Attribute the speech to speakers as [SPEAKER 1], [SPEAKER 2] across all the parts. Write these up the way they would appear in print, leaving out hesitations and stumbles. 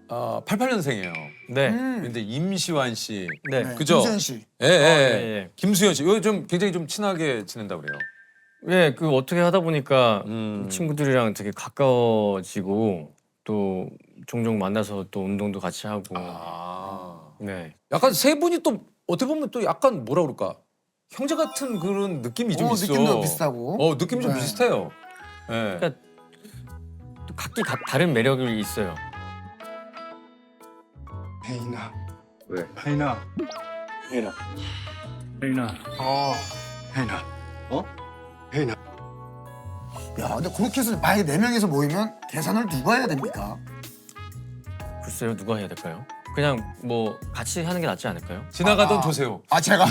[SPEAKER 1] 88년생이에요.
[SPEAKER 2] 네.
[SPEAKER 1] 근데 임시완 씨.
[SPEAKER 2] 네.
[SPEAKER 1] 그죠?
[SPEAKER 3] 김수현 씨.
[SPEAKER 1] 예, 예.
[SPEAKER 2] 예.
[SPEAKER 1] 김수현 씨. 이거 좀 굉장히 좀 친하게 지낸다고 그래요.
[SPEAKER 2] 예, 그 어떻게 하다 보니까
[SPEAKER 1] 음.
[SPEAKER 2] 친구들이랑 되게 가까워지고 또 종종 만나서 또 운동도 같이 하고.
[SPEAKER 1] 아.
[SPEAKER 2] 네.
[SPEAKER 1] 약간 세 분이 또 어떻게 보면 또 약간 뭐라 그럴까? 형제 같은 그런 느낌이 좀 있어.
[SPEAKER 3] 느낌도 비슷하고.
[SPEAKER 1] 느낌이 좀
[SPEAKER 3] 네.
[SPEAKER 1] 비슷해요. 예.
[SPEAKER 2] 그러니까 또 각기 다른 매력이 있어요.
[SPEAKER 4] 혜인아.
[SPEAKER 1] 왜?
[SPEAKER 4] 혜인아. 혜인아. 혜인아. 혜인아. 혜인아.
[SPEAKER 3] 야, 근데 그렇게 해서 만약에 4명이서 모이면 계산을 누가 해야 됩니까?
[SPEAKER 2] 글쎄요, 누가 해야 될까요? 그냥 뭐 같이 하는 게 낫지 않을까요?
[SPEAKER 1] 지나가던 조세호.
[SPEAKER 3] 제가.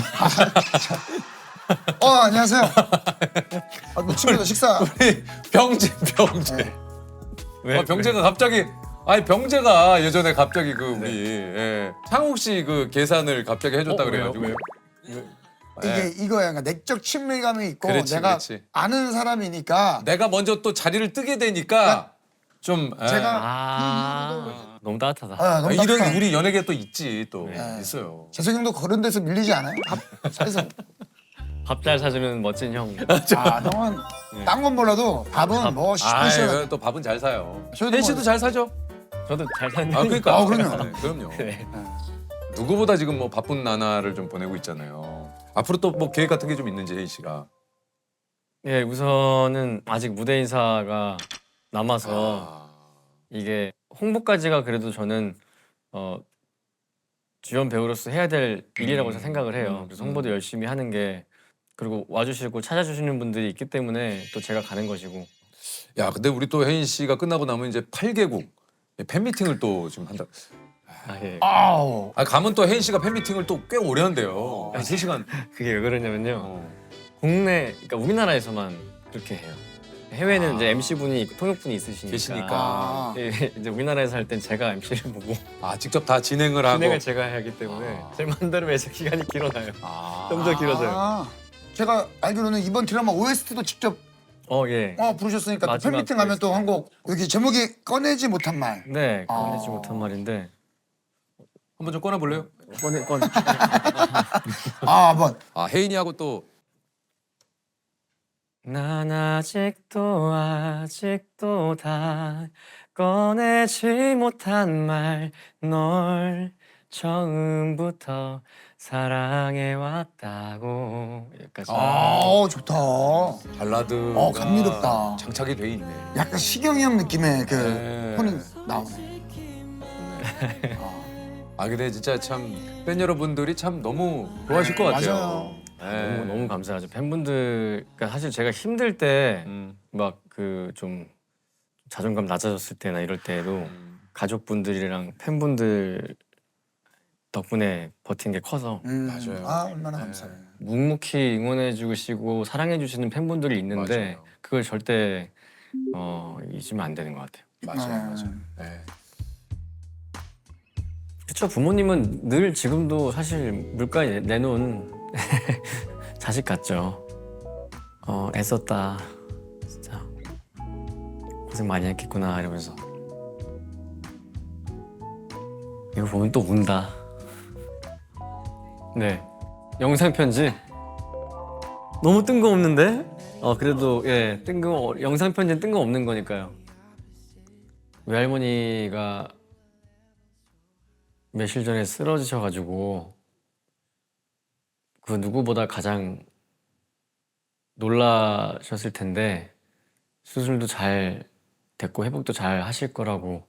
[SPEAKER 3] 안녕하세요. 뭐 친구들 식사.
[SPEAKER 1] 병재.
[SPEAKER 3] 네.
[SPEAKER 2] 왜?
[SPEAKER 1] 병재가 갑자기 병재가 예전에 갑자기 그 우리 창욱 씨 그 계산을 갑자기 해줬다 그래가지고.
[SPEAKER 2] 왜요?
[SPEAKER 3] 이거야. 그러니까 내적 친밀감이 있고
[SPEAKER 1] 그렇지,
[SPEAKER 3] 내가
[SPEAKER 1] 그렇지.
[SPEAKER 3] 아는 사람이니까
[SPEAKER 1] 내가 먼저 또 자리를 뜨게 되니까 좀
[SPEAKER 3] 제가
[SPEAKER 2] 너무 따뜻하다.
[SPEAKER 3] 너무
[SPEAKER 1] 이런
[SPEAKER 3] 따뜻한.
[SPEAKER 1] 우리 연예계 또 있지 또
[SPEAKER 3] 네.
[SPEAKER 1] 있어요.
[SPEAKER 3] 재석이 형도 그런 데서 밀리지 않아요? 그래서
[SPEAKER 2] 밥 잘 사주는 멋진 형.
[SPEAKER 3] 형은 딴 건 몰라도 밥은 뭐 시시하게.
[SPEAKER 1] 또 밥은 잘 사요.
[SPEAKER 3] 저희도
[SPEAKER 1] 혜인 씨도
[SPEAKER 3] 뭐-
[SPEAKER 1] 잘 사죠?
[SPEAKER 2] 저도 잘 사는
[SPEAKER 1] 그러니까.
[SPEAKER 3] 그럼요.
[SPEAKER 1] 네, 그럼요.
[SPEAKER 2] 네.
[SPEAKER 1] 누구보다 지금 뭐 바쁜 나날을 좀 보내고 있잖아요. 앞으로 또 뭐 계획 같은 게 좀 있는지 혜인 씨가.
[SPEAKER 2] 예, 우선은 아직 무대 인사가 남아서 이게 홍보까지가 그래도 저는 주연 배우로서 해야 될 일이라고 생각을 해요. 그래서 홍보도 열심히 하는 게 그리고 와주시고 찾아주시는 분들이 있기 때문에 또 제가 가는 것이고.
[SPEAKER 1] 야, 근데 우리 또 혜인 씨가 끝나고 나면 이제 8개국 팬미팅을 또 지금 한다.
[SPEAKER 2] 예.
[SPEAKER 3] 아우.
[SPEAKER 1] 가면 또 혜인 씨가 팬미팅을 또 꽤 오래 한대요. 3시간.
[SPEAKER 2] 그게 왜 그러냐면요. 국내, 그러니까 우리나라에서만 그렇게 해요. 해외는 이제 MC 분이 통역분이 있으시니까.
[SPEAKER 1] 계시니까.
[SPEAKER 2] 예, 이제 우리나라에서 할 땐 제가 MC를 보고
[SPEAKER 1] 직접 다 진행을 하고.
[SPEAKER 2] 진행을 제가 해야 하기 때문에 제 마음대로 해서 기간이 길어나요. 좀 더 길어져요.
[SPEAKER 3] 제가 알기로는 이번 드라마 OST도 직접
[SPEAKER 2] 예.
[SPEAKER 3] 부르셨으니까 또
[SPEAKER 2] 마지막
[SPEAKER 3] 팬미팅 가면 또 한 곡 여기 제목이 꺼내지 못한 말.
[SPEAKER 2] 네, 꺼내지 못한 말인데.
[SPEAKER 1] 한번 좀 꺼내볼래요?
[SPEAKER 2] 꺼내.
[SPEAKER 3] 한번.
[SPEAKER 1] 혜인이하고 또
[SPEAKER 2] 난 아직도 다 꺼내지 못한 말 널 처음부터 사랑해왔다고 여기까지.
[SPEAKER 3] 좋다.
[SPEAKER 1] 발라드.
[SPEAKER 3] 감미롭다.
[SPEAKER 1] 장착이 돼 있네.
[SPEAKER 3] 약간 시경이 형 느낌의 그
[SPEAKER 1] 네.
[SPEAKER 3] 톤이 나오네.
[SPEAKER 1] 근데 진짜 참 팬 여러분들이 참 너무 좋아하실 것 같아요.
[SPEAKER 3] 맞아요.
[SPEAKER 2] 너무 감사하죠. 팬분들, 그러니까 사실 제가 힘들 때 막 그 좀 자존감 낮아졌을 때나 이럴 때도 가족분들이랑 팬분들 덕분에 버틴 게 커서
[SPEAKER 1] 맞아요.
[SPEAKER 3] 얼마나 감사해요.
[SPEAKER 2] 묵묵히 응원해 주시고 사랑해 주시는 팬분들이 있는데
[SPEAKER 1] 맞아요.
[SPEAKER 2] 그걸 절대 잊으면 안 되는 것 같아요.
[SPEAKER 1] 맞아요. 네.
[SPEAKER 2] 그렇죠. 부모님은 늘 지금도 사실 물가에 내놓은 자식 같죠. 애썼다. 진짜 고생 많이 했겠구나 이러면서. 이거 보면 또 운다. 네. 영상 편지. 너무 뜬금없는데? 그래도 영상 편지는 뜬금없는 거니까요. 외할머니가 며칠 전에 쓰러지셔가지고 그 누구보다 가장 놀라셨을 텐데 수술도 잘 됐고 회복도 잘 하실 거라고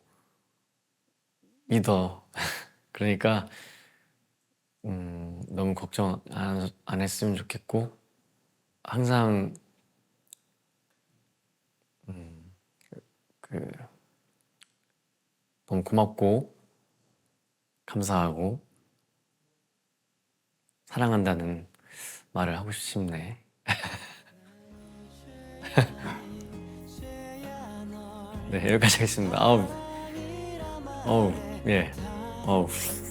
[SPEAKER 2] 믿어. 그러니까 너무 걱정 안 했으면 좋겠고 항상 너무 고맙고 감사하고 사랑한다는 말을 하고 싶네. 네, 여기까지 하겠습니다. 예.